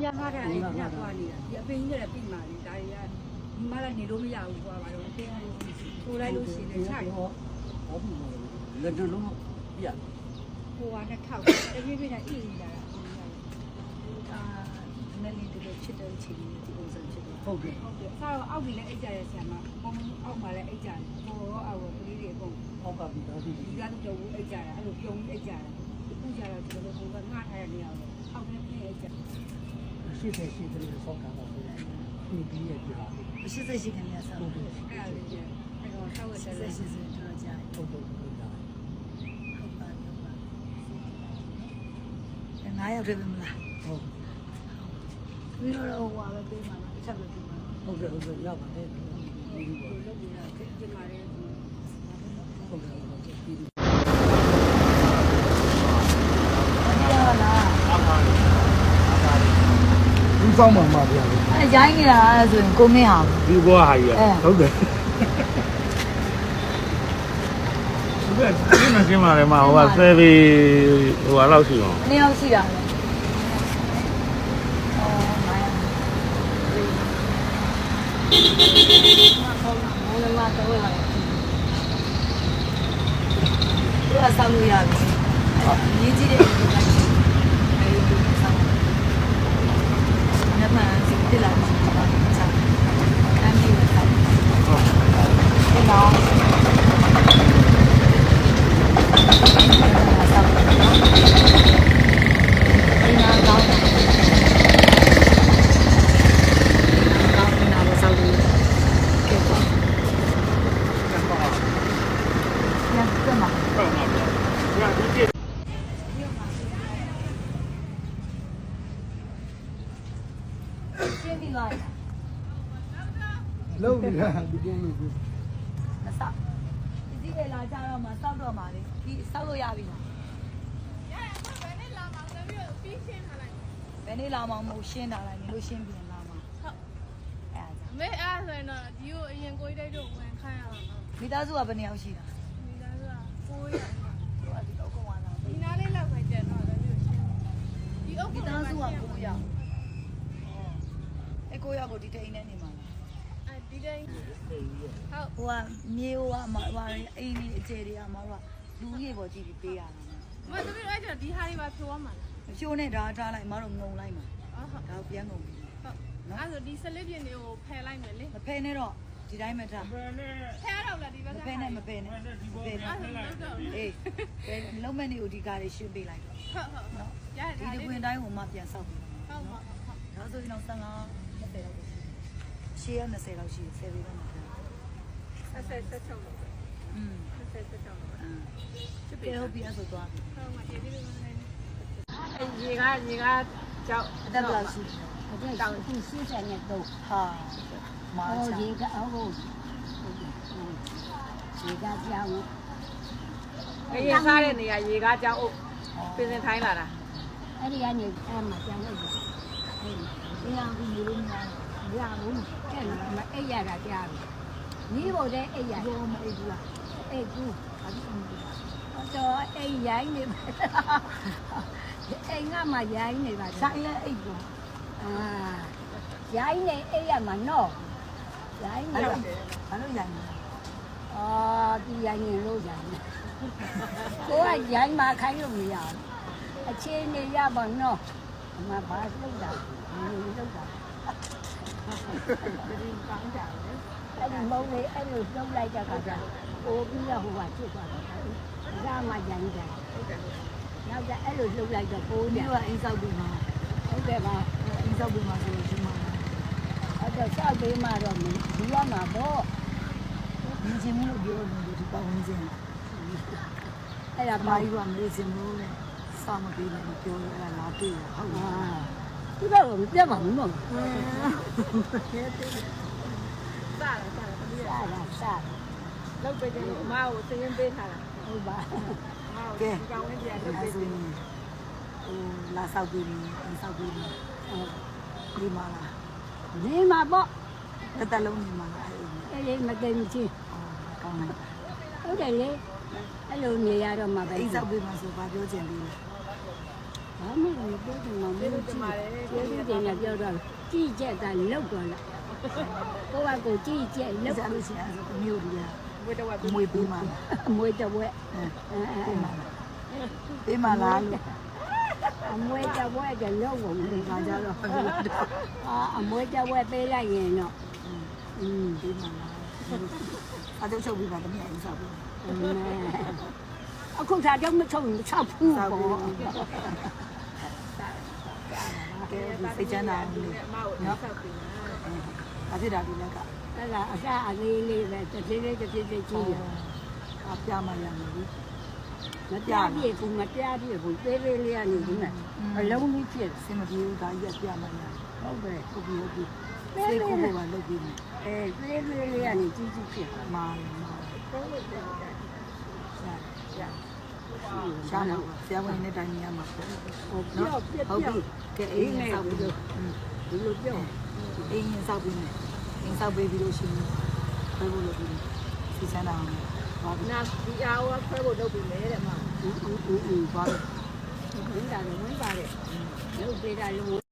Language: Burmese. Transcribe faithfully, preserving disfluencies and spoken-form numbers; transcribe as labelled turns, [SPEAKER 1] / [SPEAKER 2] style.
[SPEAKER 1] များငါးထားတယ်ညသွားနေတာဒီအပင်ကြီးလည်းပြင်ပါလေဒါတွေကဒီမှလည်းနေလို့မရဘူးကွာပါတော့အပင်ကိုလိုက်လို့ရှိရင်ခြိုက်ဟော
[SPEAKER 2] ဟောပြီလက်နှလုံးပြ
[SPEAKER 1] ဟိုကနှစ်ထောက်တပြည့်ပြည့်နဲ့အေးနေတာအာနည်းနည်းတကယ်ချစ်တဲ့ချိန်ကြီးဒီပုံစံဖြစ်တယ်
[SPEAKER 2] ဟုတ်ကဲ့
[SPEAKER 1] ဟုတ်ကဲ့ဆောက်အောက်ကြီးလည်းအိတ်ကြရဆရာမပုံအောက်မှာလည်းအိတ်ကြတယ်ဟိုရောအောက်ကလေးတွေအကုန်
[SPEAKER 2] အောက်ကပြီးသားပြီ
[SPEAKER 1] ဒီကတော့ပြုံးအိတ်ကြတာအဲ့လိုပြုံးအိတ်ကြတာအခုကျတော့ဒီလိုပုံကငှားထားရနေအောင်အောက်ထဲပြည့်အိတ်ကြ
[SPEAKER 2] ရှိတယ်ရှိတယ်ဆောက်တာပါဒီပြီးရပြ
[SPEAKER 3] ရှိစိတ်ရှိခင်များဆောက်
[SPEAKER 1] ဟုတ်အဲ့ဒါလေးကျအဲ့တော့ဆောက်ရတဲ့
[SPEAKER 3] ရှိစိတ်တော်ကြ
[SPEAKER 2] ဟုတ်ဟုတ်ဟုတ်တာ
[SPEAKER 3] ဟုတ်ပါဟုတ်ပါငါးယောက်တည်းပဲမလား
[SPEAKER 2] ဟုတ်
[SPEAKER 3] ပြီးတော့ဟိုဟာပဲပေးမှာလားတစ်ချက်ပဲပေးမှာ
[SPEAKER 2] ဟုတ်ကဲ့ဟုတ်ကဲ့ရပါတယ်ဒီ
[SPEAKER 1] လိုလုပ်နေတာပြင်မာတယ်
[SPEAKER 2] ဟုတ်ကဲ့ဟုတ်ကဲ့ဒီဦးဆောင်မှာမှာဗျာ
[SPEAKER 3] အဲရိုင်းနေတာဆိုရင်ကိုမင်းဟာ
[SPEAKER 2] ဒီဘောဟာကြီးဟုတ်တယ်ဒီကဒီမှာကျင်းมาတယ်မှာဟိုကဆယ်ဘီဟိုဟာလောက်ရှိအောင်
[SPEAKER 3] နှစ်ယောက်ရှိတာလေအော်မိုင်းမောင်မောင်တော့လာသူကဆောင်းလို့ရပြီရင်းကြည့်တဲ့ဒီကအဲဒီဆောင်းနမစီတလာချာအမ်ဒီဝတ်ဆောင်းဟုတ်ကဲ့နော်
[SPEAKER 2] လုံးနေတာဒီကုန်းလေးကို
[SPEAKER 3] မဆောက်ဒီဒီလာကြတော့မှစောက်တော့မှလေဒီစောက်လို့ရပြီလားရရဘယ်နဲ့လာမှလည်းပြီးတော့ပြီးရှင်းထားလိုက်ဘယ်နဲ့လာမှမဟုတ်ရှင်းထားလိုက်နေလို့ရှင်းပြန်လာမှဟုတ်အဲ့ဒါ
[SPEAKER 4] မေအဲ့ဆိုရင်တော့ဒီကိုအရင်ကိုကြီးတိုက်တော့ဝင်ခိုင်းရအောင်နော်
[SPEAKER 3] မိသားစုကဘယ်နှစ်ယောက်ရှိတာ
[SPEAKER 4] မိသားစုကကိုးယောက်
[SPEAKER 3] ဟိုအဒီတော့ကောင်လာ
[SPEAKER 4] ဒီနားလေးလောက်ပဲကျန်တော့လည်းပြီးရှင်းဒီအုပ်
[SPEAKER 3] မိသားစုကကိုးယောက်အဲ့ကိုးယောက်ကိုဒီတိန်နဲ့နေမှာ
[SPEAKER 4] ဒီတိုင်းဟုတ်
[SPEAKER 3] ဟိုကမြေဟိုကမှာဟိုအိမ်ကြီးအခြေတွေကမှာတော့လူကြီးပေါ်ကြည့်ပြီးပေးရတာ
[SPEAKER 4] မသမီးတို့အဲ့ကျဒီဟာတွေပါဖြိုးရမှာလား
[SPEAKER 3] ဖြိုးနဲ့ဒါထားလိုက်မတော့ငုံလိုက်မှာ
[SPEAKER 4] ဟုတ်
[SPEAKER 3] ဒါပြန်ငုံပြီ
[SPEAKER 4] ဟုတ်အဲ့ဆိုဒီဆလစ်ပြင်းတွေကိုဖယ်လိုက်မယ်လေ
[SPEAKER 3] မဖယ်နဲ့တော့ဒီတိုင်းမထား
[SPEAKER 4] ဖယ်တော့လားဒီဘက်က
[SPEAKER 3] မဖယ်နဲ့မဖယ်နဲ့မဖယ်နဲ့အေးဖယ်လုံးမနေကိုဒီကားလေးရှင်းပေးလိုက်
[SPEAKER 4] ဟုတ်ဟုတ်
[SPEAKER 3] နော်ဒီတပွင့်တိုင်းကိုမှပြန်ဆောက်ပြီ
[SPEAKER 4] ဟုတ်ဟုတ်ဟုတ်
[SPEAKER 3] ဒါဆိုရင်တော့ဆန်းကမဖယ်တော့ရှေ့ရ၂၀လောက်ရှိတယ်ဆယ်ပေတော့မှာ
[SPEAKER 4] ဆက်ဆက်ဆက်ချုပ်လို့
[SPEAKER 3] อืม
[SPEAKER 4] ဆက်ဆက်ဆက်ချုပ်လို့
[SPEAKER 3] အာချစ်ပေဟုတ်ပြီအဲ့ဆိုသွားပြီ
[SPEAKER 4] ဟုတ်မှာဒီဒီလိုနေအဲရေကရေကကြောက်
[SPEAKER 3] အသက်ဘယ်လောက်ရှိ
[SPEAKER 1] 这高兴四十年都
[SPEAKER 3] ဟာမာ
[SPEAKER 1] 哦，
[SPEAKER 3] ချာ
[SPEAKER 1] 一个哦，嗯，一个叫我，
[SPEAKER 4] ငရေစားတဲ့နေရာရေကကြောက်အုပ်ပြင်စင်ထိုင်းလာတာ
[SPEAKER 1] 哎，你看你哎嘛，讲那个，哎，你看你你你看，你看我们这里嘛，哎呀啦家里，你我这哎呀，
[SPEAKER 3] ရောမအိတ်ဘူးလား
[SPEAKER 1] 哎姑，
[SPEAKER 3] ဘာဖြစ်လဲ
[SPEAKER 1] 我说哎呀你，哎俺嘛呀你吧，
[SPEAKER 3] ဆိုင်လဲအိတ်ဘူး
[SPEAKER 1] 啊，呀你哎呀嘛喏，呀你。
[SPEAKER 3] အဲ့တော့ဘာလို့ရိုင်လဲ
[SPEAKER 1] 哦，ဒီရိုင်းနေလို့ရိုင်းနေကိုကရိုင်းမှခိုင်းလို့မရဘူးအခြေအနေရပါတော့အမဘာလုပ်တာမလုပ်တာဒီကောင်းတာလေအဲ့ဒီမုံလေးအဲ့လိုပြုတ်လိုက်တဲ့ခါကျပိုးပြီးတော့ဟိုကဖြစ်သွားတယ်ဒါမှရိုင်းတယ်ဟုတ်တယ်နောက်ကျအဲ့လိုလှုပ်လိုက်တော့ပိုး
[SPEAKER 3] ပြီးတော့အိမ်ဆောက်ပြီးမှာ
[SPEAKER 1] ဟုတ်တယ်ပါ
[SPEAKER 3] အိမ်ဆောက်ပြီးမှာဆိုဒီမှာ
[SPEAKER 1] အဲ့တော့ဆောက်ပေးမှတော့ဒီရမှာပေါ့
[SPEAKER 3] မြင်ချင်မှုလို့ပြောလို့ဒီပေါ့ဝင်စင်း
[SPEAKER 1] အဲ့ဒါ
[SPEAKER 3] ဘာကြီးကမလေးစင်းလို့လဲစာမပေးနဲ့ပြောရတာလာတွေ့ရဟုတ်လား
[SPEAKER 1] ဒီတော့မပြတ်ပါဘူးနော်
[SPEAKER 4] စားလာစားလာ
[SPEAKER 1] စားလာစား
[SPEAKER 4] လောက်ပဲတယ်အမကိုသင်ရင်းပေးထားတာ
[SPEAKER 1] ဟုတ်ပါ
[SPEAKER 3] ကဲ
[SPEAKER 4] ဒီကောင်ဝင်ပြန်လုပ်ပေးတယ်
[SPEAKER 3] ဟိုလာဆောက်ပြီးအိမ်ဆောက်ပြီးဒီမှာလား
[SPEAKER 1] နေမှာပေါ့
[SPEAKER 3] တစ်သက်လုံးနေမှာလား
[SPEAKER 1] အဲ့ဒီမသိမချင်း
[SPEAKER 3] ကောင်းတယ်
[SPEAKER 1] ဟုတ်တယ်လေအဲ့လိုနေရတော့မှပဲ
[SPEAKER 3] အိမ်ဆောက်ပြီးမှဆိုဘာပြောချင်ပြီလဲ
[SPEAKER 1] ဟဘာမှမပြောချင်မှမပြောချင်ပြောလို့တင်ရပြောတော့ကြည့်ချက်ကလောက်သွားလားကိုကကိုကြည့်ချက်လောက်
[SPEAKER 3] စားလို့ရှိရင်အမျိုးကြီး
[SPEAKER 4] ဝတ်တော့ဝတ်
[SPEAKER 3] မွေးပေးမှာ
[SPEAKER 1] အမွေတဝက်
[SPEAKER 3] ပေးမှာလားလို့
[SPEAKER 1] အမွေတဝက်ကလောက်ဝင်နေတာကြတော့အာအမွေတဝက်ပေးလိုက်ရင်တော့อืม
[SPEAKER 3] ပေးမှာလားအတော့ချုပ်ပြီးပါတမန်အစားပေး
[SPEAKER 1] အခုသာတော့မချုံချဘူးပေါ့
[SPEAKER 3] ကဲစိတ်ချမ်းသာလို့
[SPEAKER 4] အမကိုနော်ဆောက်ပြီး
[SPEAKER 3] အဖြစ်တာဒီလက်က
[SPEAKER 1] အဲ့ဒါအစားအလေးလေးပဲတစ်သေးလေးတစ်သေးလေးကြီးရ
[SPEAKER 3] အပြမရမယ်ဒီ
[SPEAKER 1] မပြပြဘူးမပြပြဘူးသေးသေးလေးကနေဒီမှာအလုံးကြီးဖြစ်
[SPEAKER 3] စင်မပြေဘူးဒါကြီးပြမရ
[SPEAKER 1] ဟုတ်ပဲ
[SPEAKER 3] ဟုတ်ပြီဟုတ်ပြီစိတ်ကိုယ်ကလုပ်ပြီး
[SPEAKER 1] အဲသေးသေးလေးကနေကြီးကြီးဖြစ်
[SPEAKER 3] မာမာ
[SPEAKER 1] တော့တယ်
[SPEAKER 3] ရှားမှာဆရာဝန်နဲ့တိုင်နေရမှာပေါ့
[SPEAKER 1] ဟိုပြောပြ
[SPEAKER 3] ဟုတ်
[SPEAKER 1] ပြ
[SPEAKER 3] ပြီကဲအိမ်ရင်ဆောက်ပြီးတော့
[SPEAKER 1] ဒီလိုပြော
[SPEAKER 3] အိမ်ရင်ဆောက်ပြီးမယ်အိမ်ဆောက်ပေးပြီးလို့ရှိရင်ဘယ်လိုလုပ်ပြီးစီစမ်းတာအောင်ပါပြီ
[SPEAKER 4] နာဒီအားဝဆွဲဖို့လုပ်ပြီးလေတဲ့အမ
[SPEAKER 1] ဦးဦးဦးဦး
[SPEAKER 3] ပါပြီ
[SPEAKER 1] ဝင်တာလည်းဝင်ပါတယ်ရုပ်ပေးတာလို့